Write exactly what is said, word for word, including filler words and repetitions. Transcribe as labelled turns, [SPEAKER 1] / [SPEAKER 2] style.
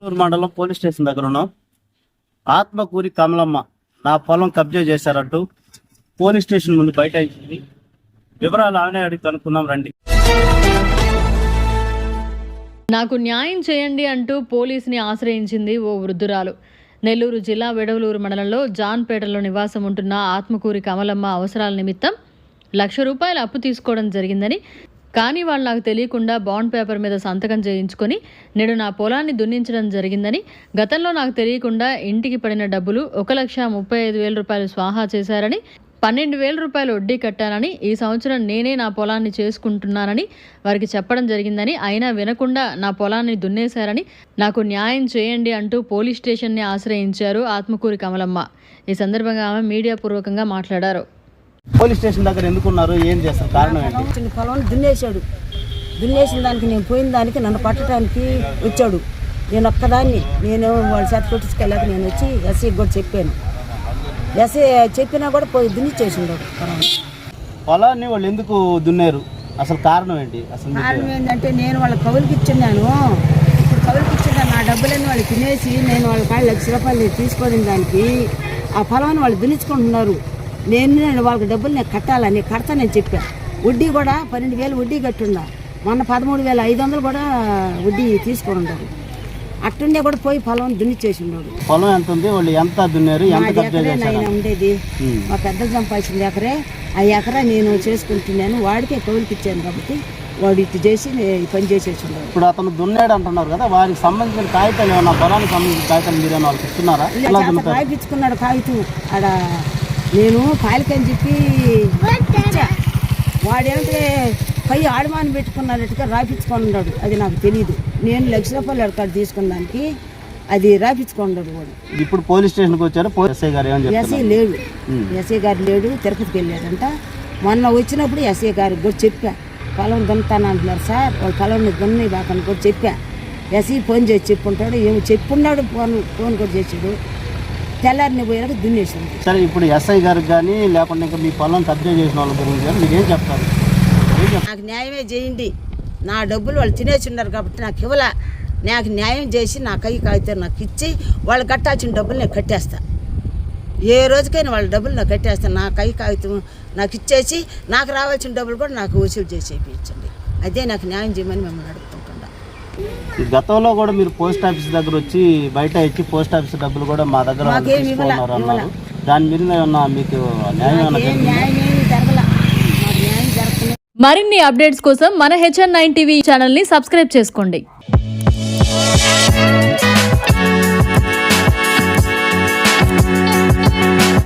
[SPEAKER 1] మండలం police station దగ్గర ఉన్నాం. ఆత్మకూరి కమలమ్మ నా పొలం కబ్జా చేశారంటూ పోలీస్ స్టేషన్ ముందు బయట ఇచ్చింది. వివరాలు ఆమె అడిగి కనుక్కున్నాం రండి.
[SPEAKER 2] నాకు న్యాయం చేయండి అంటూ పోలీసుని ఆశ్రయించింది ఓ వృద్ధురాలు. నెల్లూరు జిల్లా వెడవలూరు మండలంలో జాన్పేటలో నివాసం ఉంటున్న ఆత్మకూరి కమలమ్మ అవసరాల నిమిత్తం లక్ష రూపాయల అప్పు తీసుకోవడం జరిగిందని, కానీ వాళ్ళు నాకు తెలియకుండా బాండ్ పేపర్ మీద సంతకం చేయించుకొని నేడు నా పొలాన్ని దున్నించడం జరిగిందని, గతంలో నాకు తెలియకుండా ఇంటికి పడిన డబ్బులు ఒక లక్ష ముప్పై ఐదు వేల రూపాయలు స్వాహా చేశారని, పన్నెండు వేల రూపాయలు వడ్డీ కట్టానని, ఈ సంవత్సరం నేనే నా పొలాన్ని చేసుకుంటున్నానని వారికి చెప్పడం జరిగిందని, అయినా వినకుండా నా పొలాన్ని దున్నేశారని, నాకు న్యాయం చేయండి అంటూ పోలీస్ స్టేషన్ని ఆశ్రయించారు ఆత్మకూరి కమలమ్మ. ఈ సందర్భంగా ఆమె మీడియా పూర్వకంగా మాట్లాడారు.
[SPEAKER 1] పోలీస్ స్టేషన్ దగ్గర ఎందుకున్నారు, ఏం చేస్తారు, కారణం ఏంటి?
[SPEAKER 3] పొలం దున్నేశాడు. దున్నేసిన దానికి నేను పోయిన దానికి నన్ను పట్టడానికి వచ్చాడు. నేను ఒక్కదాన్ని నేను వాళ్ళ చేత కొట్టించుకెళ్ళాక నేను వచ్చి ఎస్ఐకి కూడా చెప్పాను. ఎస్ఐ చెప్పినా కూడా పోయి దున్నిచ్చేసిండు పొలం.
[SPEAKER 1] పొలాన్ని వాళ్ళు ఎందుకు దున్నారు, అసలు కారణం ఏంటి? అసలు
[SPEAKER 3] కారణం ఏంటంటే నేను వాళ్ళ కవులకి ఇచ్చున్నాను. ఇప్పుడు కవులకి ఇచ్చిన నా డబ్బులన్నీ వాళ్ళు తినేసి నేను వాళ్ళ కాళ్ళు లక్ష రూపాయలు తీసుకోని దానికి ఆ పొలాన్ని వాళ్ళు దున్నించుకుంటున్నారు. నేను నేను వాళ్ళకి డబ్బులు నేను కట్టాలని కడతానని చెప్పాను. వడ్డీ కూడా పన్నెండు వేలు వడ్డీ కట్టుండా. మొన్న పదమూడు వేల ఐదు వందలు కూడా వడ్డీ తీసుకొని ఉన్నారు. అట్టుండే కూడా పోయి పొలం దున్నిచ్చేసి ఉన్నాడు.
[SPEAKER 1] పొలం ఎంత ఉంది, వాళ్ళు ఎంత దున్నారు,
[SPEAKER 3] ఆయన ఉండేది మా పెద్దలు సంపాదించింది ఎకరే. ఆ ఎకరా నేను చేసుకుంటున్నాను, వాడికే కౌలుకి ఇచ్చాను కాబట్టి వాడు ఇటు చేసి ఈ పని చేసేసి ఉన్నాడు.
[SPEAKER 1] ఇప్పుడు అతను దున్నాడు అంటున్నారు కదా, వారికి సంబంధించిన కాగితాలు ఏమన్నా, పొలానికి సంబంధించిన కాగితాలు మీరేమో వాళ్ళకి ఇస్తున్నారా?
[SPEAKER 3] రాయిపించుకున్నాడు కాగితం ఆడ. నేను కాలికని చెప్పి ఇచ్చా. వాడేంటే పై ఆడమాని పెట్టుకున్నట్టుగా రాయించుకొని ఉన్నాడు. అది నాకు తెలియదు. నేను లక్ష రూపాయలు అడకాడు తీసుకున్న దానికి అది రాయించుకున్నాడు వాడు.
[SPEAKER 1] ఇప్పుడు పోలీస్ స్టేషన్కి వచ్చారు. ఎస్ఐ గారు ఏమని
[SPEAKER 3] ఎస్ఐ లేడు, ఎస్ఐ గారు లేడు, తిరుపతికి వెళ్ళాడంట. మొన్న వచ్చినప్పుడు ఎస్ఐ గారికి కూడా చెప్పా, పొలం దున్నుతాను అంటున్నారు సార్, వాళ్ళు పొలం దున్ని బాకని కూడా చెప్పా. ఎస్ఐ ఫోన్ చేసి చెప్పుంటాడు, ఏమో చెప్పున్నాడు. ఫోన్ ఫోన్ కూడా చేసాడు. తెల్లారిని పోయాక దున్నేసింది.
[SPEAKER 1] సరే, ఇప్పుడు ఎస్ఐ గారికి కానీ లేకుండా ఇంకా మీ పొలం కబ్జా చేసిన వాళ్ళ గురించి కానీ మీరు ఏం చెప్తారు?
[SPEAKER 3] నాకు న్యాయమే చేయండి. నా డబ్బులు వాళ్ళు తినేసి ఉన్నారు కాబట్టి నాకు ఇవ్వలే. నాకు న్యాయం చేసి నా కై కాగితం నాకు ఇచ్చి వాళ్ళు కట్టాల్సిన డబ్బులు నేను కట్టేస్తా. ఏ రోజుకైనా వాళ్ళ డబ్బులు నాకు కట్టేస్తాను. నా కై కాగితం నాకు ఇచ్చేసి నాకు రావాల్సిన డబ్బులు కూడా నాకు వసూలు చేసి ఇప్పించండి. అదే నాకు న్యాయం చేయమని మిమ్మల్ని అడుగుతుంటా.
[SPEAKER 1] గతంలో కూడా మీరు పోస్ట్ ఆఫీస్ దగ్గర వచ్చి బయట ఇచ్చి పోస్ట్ ఆఫీస్ డబ్బులు కూడా మా దగ్గర తీసుకున్నారు అన్నారు. దాని మీద ఏమన్నా మీకు న్యాయం
[SPEAKER 3] జరగల?
[SPEAKER 2] మరిన్ని అప్డేట్స్ కోసం మన హెచ్ఎన్ నైన్ టీవీ ఛానల్ని సబ్స్క్రైబ్ చేసుకోండి.